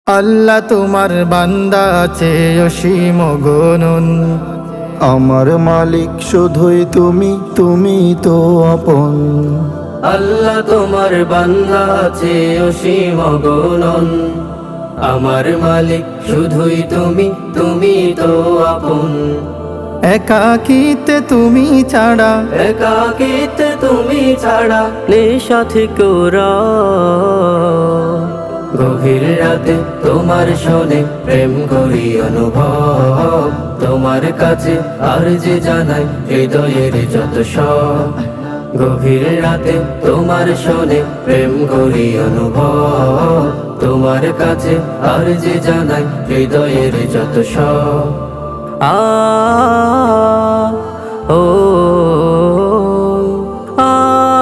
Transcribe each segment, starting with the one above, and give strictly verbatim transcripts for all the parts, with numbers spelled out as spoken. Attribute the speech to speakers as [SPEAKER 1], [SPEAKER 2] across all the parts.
[SPEAKER 1] আল্লাহ তোমার বান্দা আছে অসীম গণন।
[SPEAKER 2] আমার মালিক শুধুই তুমি, তুমি তো আপন।
[SPEAKER 3] আল্লাহ তোমার বান্দা আছে অসীম গণন। আমার মালিক শুধুই তুমি, তুমি তো আপন।
[SPEAKER 1] একাকিতে তুমি ছাড়া,
[SPEAKER 3] একাকিতে তুমি ছাড়া নেই সাথী কোরা। গভীর রাতে তোমার শোনে প্রেম করি অনুভব। তোমার কাছে আর যে জানাই হৃদয়ের যত সব। গভীর রাতে তোমার শোনে প্রেম করি অনুভব। তোমার কাছে আর যে জানাই হৃদয়ের যত সব। আ ও আ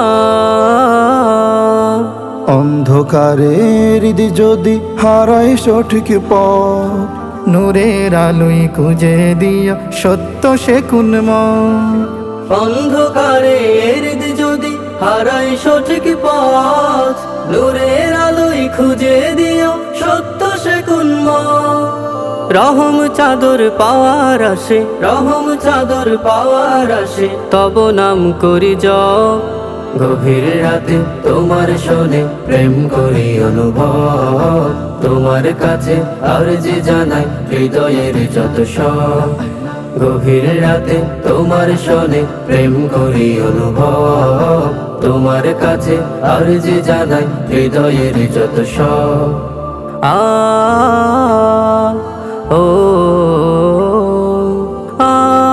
[SPEAKER 2] অন্ধকারের হৃদি যদি হারায় সঠিক পথ,
[SPEAKER 1] নূরের আলোয় খুঁজে দিও সত্য সে কুন্ম।
[SPEAKER 3] অন্ধকারে হৃদ যদি হারাই সঠিক পথ, নূরের আলোয় খুঁজে দিও সত্য সে কুন্ম। রহম চাদর পাওয়ার আসে, রহম চাদর পাওয়ার আসে, তব নাম করি জপ। গভীর রাতে তোমার শোনে প্রেম করি অনুভব। তোমার কাছে আর যে জানাই হৃদয়ের যত সব। গভীর রাতে তোমার শোনে প্রেম করি অনুভব। তোমার কাছে আর যে জানাই হৃদয়ের যত সব। আ ও আ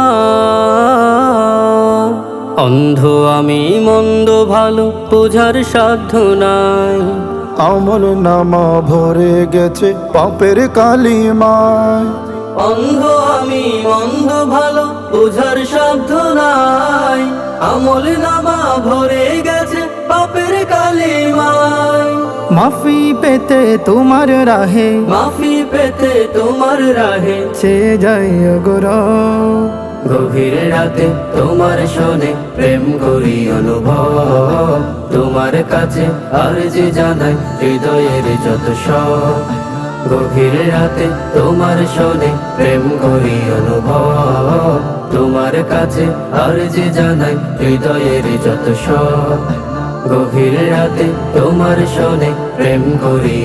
[SPEAKER 3] অন্ধ আমি মন্দ ভালো বোঝার সাধ্য নাই।
[SPEAKER 2] আমল নামা ভরে গেছে পাপের কালিমায়।
[SPEAKER 3] অন্ধ আমি মন্দ ভালো বোঝার সাধ্য নাই। আমল নামা ভরে গেছে পাপের কালিমায়।
[SPEAKER 1] মাফি পেতে তোমার রাহে,
[SPEAKER 3] মাফি পেতে তোমার রাহে
[SPEAKER 1] সে যাই গোর।
[SPEAKER 3] গভীর রাতে তোমার শোনে প্রেম করি অনুভব। তোমার কাছে আর যে জানাই হৃদয়ের যত সব। গভীর রাতে তোমার শোনে প্রেম করি অনুভব। তোমার কাছে আর যে জানাই হৃদয়ের যত সব। গভীর রাতে তোমার শোনে প্রেম করি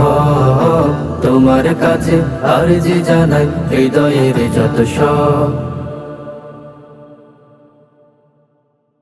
[SPEAKER 3] অনুভব। তোমার কাছে আর যে জানাই হৃদয়ের যত সব।